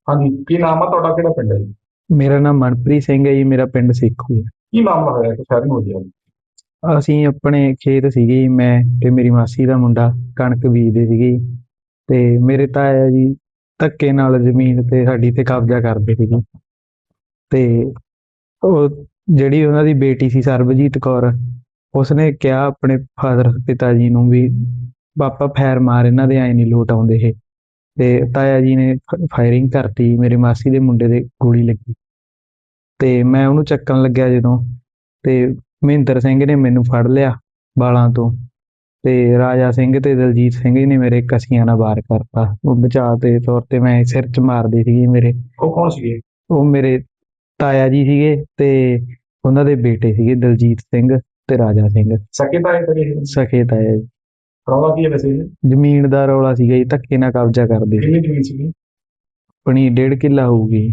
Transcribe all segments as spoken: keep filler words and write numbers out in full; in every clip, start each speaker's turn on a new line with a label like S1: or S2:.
S1: ਹਾਂਜੀ, ਕੀ ਨਾਮ ਆ ਤੁਹਾਡਾ? ਕਿਹੜਾ ਪਿੰਡ ਹੈ ਜੀ?
S2: ਮੇਰਾ ਨਾਮ ਮਨਪ੍ਰੀਤ ਸਿੰਘ ਹੈ ਜੀ। ਮੇਰਾ ਪਿੰਡ ਸੇਖੂ ਹੈ।
S1: ਕੀ ਮਾਮਲਾ ਹੋਇਆ ਕਿ ਸ਼ਹਿਰ ਨੂੰ ਹੋ ਗਿਆ?
S2: ਅਸੀਂ ਆਪਣੇ ਖੇਤ ਸੀਗੇ ਜੀ, ਮੈਂ ਤੇ ਮੇਰੀ ਮਾਸੀ ਦਾ ਮੁੰਡਾ ਕਣਕ ਬੀਜਦੇ ਸੀਗੇ ਜੀ। ਤੇ ਮੇਰੇ ਤਾਇਆ ਜੀ ਧੱਕੇ ਨਾਲ ਜ਼ਮੀਨ ਤੇ ਸਾਡੀ ਤੇ ਕਬਜ਼ਾ ਕਰਦੇ ਸੀਗੇ। ਤੇ ਉਹ ਜਿਹੜੀ ਉਹਨਾਂ ਦੀ ਬੇਟੀ ਸੀ ਸਰਬਜੀਤ ਕੌਰ, ਉਸਨੇ ਕਿਹਾ ਆਪਣੇ ਫਾਦਰ ਪਿਤਾ ਜੀ ਨੂੰ ਵੀ ਪਾਪਾ ਫੈਰ ਮਾਰ, ਇਹਨਾਂ ਦੇ ਐ ਨਹੀਂ ਲੋਟ ਆਉਂਦੇ ਇਹ। ਤੇ ਤਾਇਆ ਜੀ ਨੇ ਫਾਇਰਿੰਗ ਕਰਤੀ, ਮੇਰੇ ਮਾਸੀ ਦੇ ਮੁੰਡੇ ਦੇ ਗੋਲੀ ਲੱਗੀ। ਤੇ ਮੈਂ ਉਹਨੂੰ ਚੱਕਣ ਲੱਗਿਆ ਜਦੋਂ, ਤੇ ਮਹਿੰਦਰ ਸਿੰਘ ਨੇ ਮੈਨੂੰ ਫੜ ਲਿਆ ਬਾਲਾਂ ਤੋਂ। ਤੇ ਰਾਜਾ ਸਿੰਘ ਤੇ ਦਲਜੀਤ ਸਿੰਘ ਨੇ ਮੇਰੇ ਕਸੀਆਂ ਨਾਲ ਵਾਰ ਕਰਤਾ। ਉਹ ਬਚਾਅ ਦੇ ਤੌਰ ਤੇ ਮੈਂ ਸਿਰ 'ਚ ਮਾਰਦੇ ਸੀਗੇ ਮੇਰੇ।
S1: ਉਹ ਕੌਣ ਸੀਗੇ?
S2: ਉਹ ਮੇਰੇ ਤਾਇਆ ਜੀ ਸੀਗੇ ਤੇ ਉਹਨਾਂ ਦੇ ਬੇਟੇ ਸੀਗੇ ਦਲਜੀਤ ਸਿੰਘ ਤੇ ਰਾਜਾ ਸਿੰਘ।
S1: ਸਕੇ ਤਾਂ ਇਹ ਕਰੇ?
S2: ਸਖੇ ਤਾਇਆ ਜੀ।
S1: ਰੌਲਾ ਕੀ ਹੈ ਵੈਸੇ ਇਹ?
S2: ਜ਼ਮੀਨ ਦਾ ਰੌਲਾ ਸੀਗਾ ਜੀ, ਧੱਕੇ ਨਾਲ ਕਬਜ਼ਾ ਕਰਦੇ ਸੀ।
S1: ਕਿੰਨੀ ਜ਼ਮੀਨ ਸੀਗੀ?
S2: ਆਪਣੀ ਡੇਢ ਕਿੱਲਾ ਹੋਊਗੀ।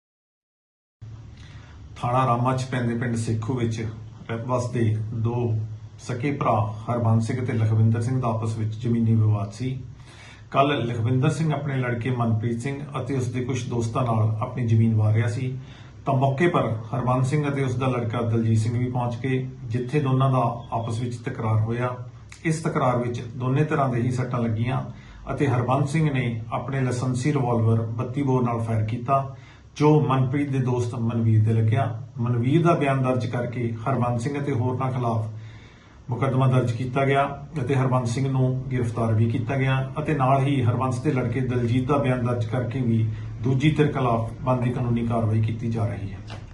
S3: ਥਾਣਾ ਰਾਮਾ 'ਚ ਪੈਂਦੇ ਪਿੰਡ ਸੇਖੂ ਵਿੱਚ ਵਸਦੇ ਦੋ ਸਕੇ ਭਰਾ ਹਰਬੰਸ ਸਿੰਘ ਤੇ ਲਖਵਿੰਦਰ ਸਿੰਘ ਦਾ ਆਪਸ ਵਿੱਚ ਜ਼ਮੀਨੀ ਵਿਵਾਦ ਸੀ। ਕੱਲ ਲਖਵਿੰਦਰ ਸਿੰਘ ਆਪਣੇ ਲੜਕੇ ਮਨਪ੍ਰੀਤ ਸਿੰਘ ਅਤੇ ਉਸ ਦੇ ਕੁਝ ਦੋਸਤਾਂ ਨਾਲ ਆਪਣੀ ਜ਼ਮੀਨ ਵਾਰ ਰਿਹਾ ਸੀ ਤਾਂ ਮੌਕੇ ਪਰ ਹਰਬੰਸ ਸਿੰਘ ਅਤੇ ਉਸ ਦਾ ਲੜਕਾ ਦਲਜੀਤ ਸਿੰਘ ਵੀ ਪਹੁੰਚ ਗਏ, ਜਿੱਥੇ ਦੋਨਾਂ ਦਾ ਆਪਸ ਵਿੱਚ ਤਕਰਾਰ ਹੋਇਆ। ਇਸ ਤਕਰਾਰ ਵਿੱਚ ਦੋਨੇ ਤਰ੍ਹਾਂ ਦੇ ਹੀ ਸੱਟਾਂ ਲੱਗੀਆਂ ਅਤੇ ਹਰਬੰਸ ਸਿੰਘ ਨੇ ਆਪਣੇ ਲਾਇਸੈਂਸੀ ਰਿਵਾਲਵਰ ਬੱਤੀ ਬੋਰ ਨਾਲ ਫਾਇਰ ਕੀਤਾ, ਜੋ ਮਨਪ੍ਰੀਤ ਦੇ ਦੋਸਤ ਮਨਵੀਰ ਦੇ ਲੱਗਿਆ। ਮਨਵੀਰ ਦਾ ਬਿਆਨ ਦਰਜ ਕਰਕੇ ਹਰਬੰਸ ਸਿੰਘ ਅਤੇ ਹੋਰਨਾਂ ਖਿਲਾਫ ਮੁਕੱਦਮਾ ਦਰਜ ਕੀਤਾ ਗਿਆ ਅਤੇ ਹਰਬੰਸ ਸਿੰਘ ਨੂੰ ਗ੍ਰਿਫਤਾਰ ਵੀ ਕੀਤਾ ਗਿਆ ਅਤੇ ਨਾਲ ਹੀ ਹਰਬੰਸ ਦੇ ਲੜਕੇ ਦਲਜੀਤ ਦਾ ਬਿਆਨ ਦਰਜ ਕਰਕੇ ਵੀ ਦੂਜੀ ਧਿਰ ਖਿਲਾਫ ਬਣਦੀ ਕਾਨੂੰਨੀ ਕਾਰਵਾਈ ਕੀਤੀ ਜਾ ਰਹੀ ਹੈ।